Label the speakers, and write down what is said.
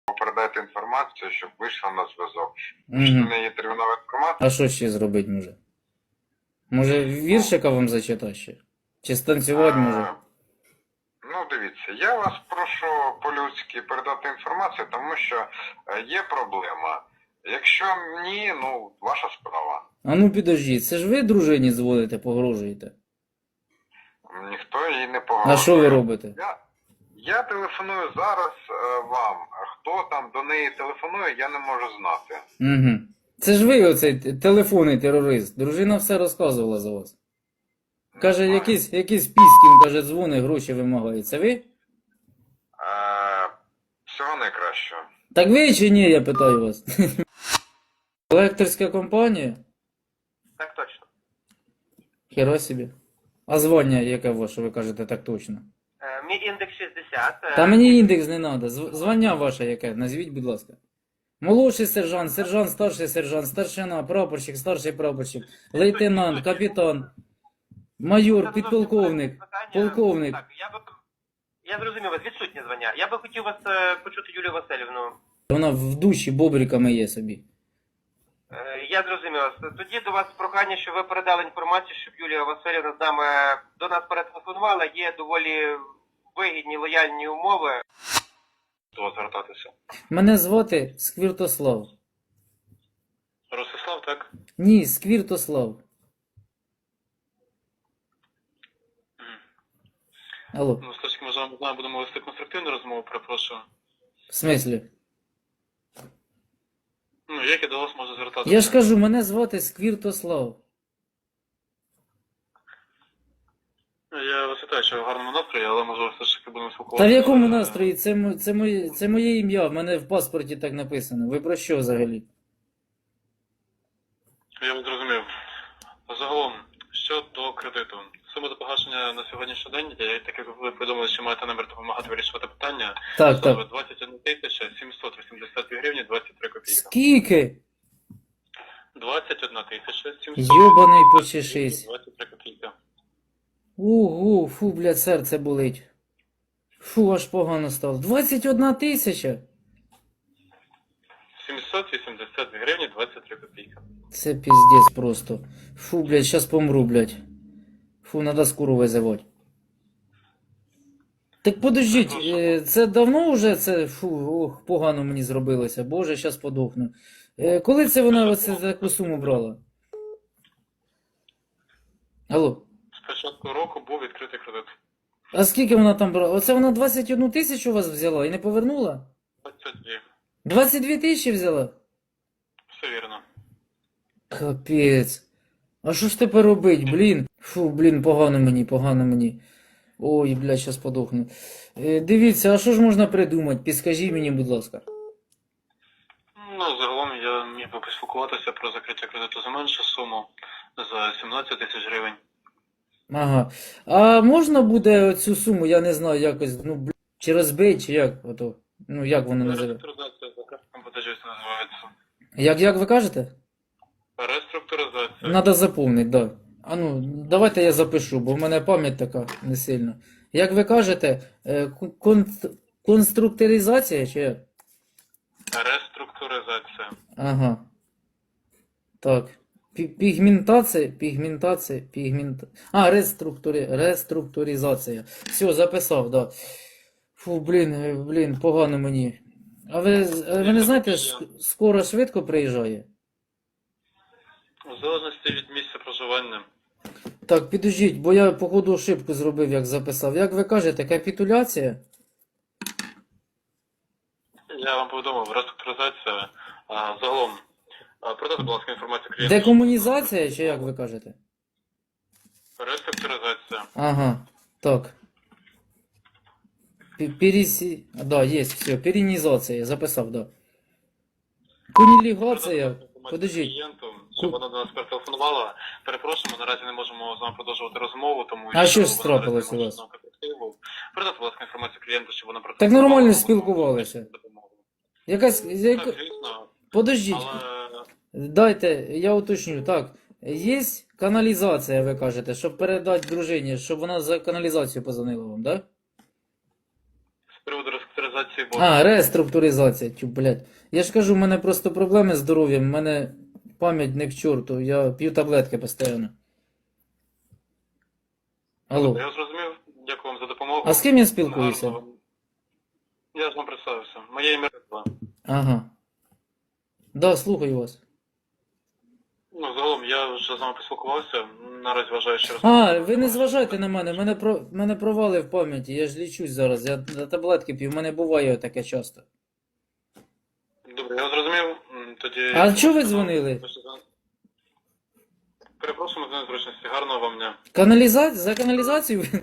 Speaker 1: передайте інформацію, щоб вийшла на зв'язок.
Speaker 2: Мгм.
Speaker 1: Що в неї є термінова інформація?
Speaker 2: А що ще зробити може? Може віршика вам зачитати ще? Чи станцювати може?
Speaker 1: Ну, дивіться, я вас прошу по-людськи передати інформацію, тому що є проблема. Якщо ні, ну, ваша справа.
Speaker 2: А ну підождіть, це ж ви дружині дзвоните, погрожуєте?
Speaker 1: Ніхто їй не погрожує.
Speaker 2: А що ви робите?
Speaker 1: Я телефоную зараз вам. Хто там до неї телефонує, я не можу знати.
Speaker 2: Угу. Це ж ви оцей телефонний терорист. Дружина все розказувала за вас. Каже, якийсь піскін, каже, дзвони, гроші вимагає. Це ви?
Speaker 1: Всього найкращого.
Speaker 2: Так ви чи ні, я питаю вас. Електрська компанія?
Speaker 1: Так точно.
Speaker 2: Хіра собі. А звання яке ваше, ви кажете так точно?
Speaker 3: Мій індекс 60.
Speaker 2: Та мені індекс не треба. Звання ваше яке? Назвіть, будь ласка. Молодший сержант, сержант, старшина, прапорщик, старший прапорщик, лейтенант, капітан, майор, підполковник, полковник.
Speaker 3: Так, я зрозумів вас, відсутнє звання. Я би хотів вас почути Юлію Васильівну.
Speaker 2: Вона в душі бобриками є собі.
Speaker 3: Я зрозумів вас. Тоді до вас прохання, щоб ви передали інформацію, щоб Юлія Васильівна до нас перетелефонувала. Є доволі вигідні, лояльні умови.
Speaker 1: Хто звертатися?
Speaker 2: Мене звати Сквіртослав.
Speaker 1: Ростислав, так?
Speaker 2: Ні, Сквіртослав. Алло,
Speaker 4: Ну, все-таки, може, ми з вами будемо вести конструктивну розмову, перепрошую.
Speaker 2: в смислі?
Speaker 4: Ну, як я до вас можу звертатися?
Speaker 2: Я ж кажу, мене звати Сквіртослав.
Speaker 4: Я вас вітаю, що ви в гарному настрої, але може все ж таки будемо
Speaker 2: Та
Speaker 4: спілкуватися.
Speaker 2: в якому настрої? Це моє ім'я, в мене в паспорті так написано. Ви про що взагалі?
Speaker 4: Я вас зрозумів. Загалом, щодо кредиту. Сума до погашення на сьогоднішній день, так як ви повідомили, що маєте намір допомагати вирішувати питання,
Speaker 2: Так,
Speaker 4: становить
Speaker 2: так.
Speaker 4: 21 782 гривні 23 копійки.
Speaker 2: Скільки?
Speaker 4: 21 782
Speaker 2: Йобаний почешись.
Speaker 4: 23 копійки.
Speaker 2: Угу, фу, блядь, серце болить. Фу, аж погано стало. 21 тисяча?
Speaker 4: 782 гривні 23 копійки.
Speaker 2: Це піздець просто. Фу, блядь, щас помру, блядь. Фу, надо скору визивати. Так подождіть, це давно вже це, фу, ох, погано мені зробилося. Боже, щас подохну. Коли це вона оце таку суму брала? Алло.
Speaker 4: З початку року був відкритий кредит.
Speaker 2: А скільки вона там брала? Оце вона 21 тисячу у вас взяла і не повернула?
Speaker 4: 22.
Speaker 2: 22 тисячі взяла?
Speaker 4: Все вірно.
Speaker 2: Капець. А що ж тепер робить, блін? Фу, блін, погано мені. Ой, блядь, щас подохну. Дивіться, а що ж можна придумати? Підскажіть мені, будь ласка.
Speaker 4: Ну, загалом я міг би поспілкуватися про закриття кредиту за меншу суму, за 17 тисяч гривень.
Speaker 2: Ага. А можна буде цю суму, я не знаю, якось, ну, блядь, чи розбить, чи як? Ото, ну, як воно називає?
Speaker 4: Реструктуризація за картом платежів це називається.
Speaker 2: Як ви кажете?
Speaker 4: Реструктуризація.
Speaker 2: Надо заповнити, да. А ну, давайте я запишу, бо в мене пам'ять така не сильна. Як ви кажете, конструкторизація чи як?
Speaker 4: Реструктуризація.
Speaker 2: Ага. Так. Пігментація. А, реструктуризація. Все, записав, да. Фу, блін, погано мені. А ви не знаєте, скоро швидко приїжджає?
Speaker 4: У залежності від місця проживання.
Speaker 2: Так, підождіть, бо я, походу, ошибку зробив, як записав. Як ви кажете, капітуляція?
Speaker 4: Я вам повідомив, реструктуризація. Загалом, продайте, будь ласка, інформацію клієнту.
Speaker 2: Декомунізація, чи як ви кажете?
Speaker 4: Реструктуризація.
Speaker 2: Ага, так. Да, есть, все, перинизация, записав, да. Кунілігація, подождіть.
Speaker 4: Клієнту, щоб вона до нас перетелефонувала. Перепрошуємо, наразі не можемо з вами продовжувати розмову, тому
Speaker 2: А що ж
Speaker 4: вона
Speaker 2: трапилось
Speaker 4: наразі не
Speaker 2: у
Speaker 4: може
Speaker 2: вас?
Speaker 4: з нами контактувати. Передайте, будь ласка, інформацію клієнту, щоб вона
Speaker 2: Так нормально
Speaker 4: вона
Speaker 2: спілкувалися.
Speaker 4: може допомогу.
Speaker 2: Якась,
Speaker 4: Так, звісно,
Speaker 2: подождіть,
Speaker 4: але
Speaker 2: дайте, я уточню, так. Є каналізація, ви кажете, щоб передати дружині, щоб вона за каналізацію позвонила вам, да?
Speaker 4: з приводу реструктуризації реструктуризації боргу.
Speaker 2: А, реструктуризація, тю, блядь. Я ж кажу, в мене просто проблеми з здоров'ям, в мене пам'ять не к чорту, я п'ю таблетки постійно. Алло.
Speaker 4: Я зрозумів, дякую вам за допомогу.
Speaker 2: А з ким я спілкуюся?
Speaker 4: Гарного. Я ж вам представився. Моє ім'я Редла.
Speaker 2: Ага. Да, слухаю вас.
Speaker 4: Ну, загалом, я вже з вами поспілкувався. Наразі вважаю, що
Speaker 2: А, ви не зважайте на мене, мене провали в пам'яті, я ж лічусь зараз, я таблетки п'ю, в мене буває таке часто.
Speaker 4: Добре, я зрозумів. Тоді...
Speaker 2: А чого ви дзвонили?
Speaker 4: Перепрошуємо за незручності. Гарного вам дня.
Speaker 2: За каналізацію?